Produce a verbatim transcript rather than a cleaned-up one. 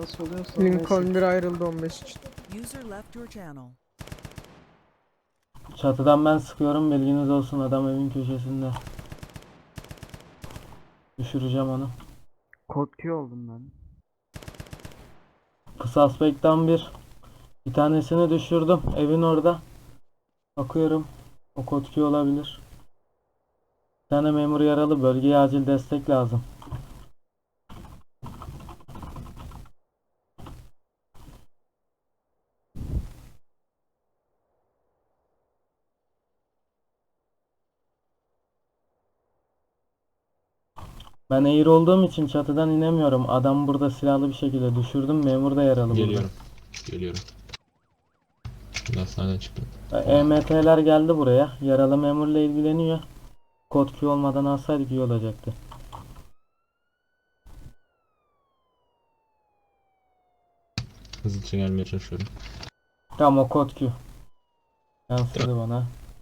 Nasıl oluyorsa Lincoln neyse. bir ayrıldı on beş için. User left your channel. Çatıdan ben sıkıyorum, bilginiz olsun, adam evin köşesinde. Düşüreceğim onu. Kod Q oldum ben. Kısa aspektten bir. Bir tanesini düşürdüm. Evin orada. Bakıyorum. O kotki olabilir. Bir tane memur yaralı. Bölgeye acil destek lazım. Ben eğri olduğum için çatıdan inemiyorum. Adam burada silahlı bir şekilde düşürdüm. Memur da yaralı Geliyorum. Geliyorum. Şimdi hastaneden çıktım. burada. E M T'ler geldi buraya. Yaralı memurla ilgileniyor. Kod Q olmadan alsaydık iyi olacaktı. Hızlıca gelmeye çalışıyorum. Tamam, o kod Q. Yansıdı bana.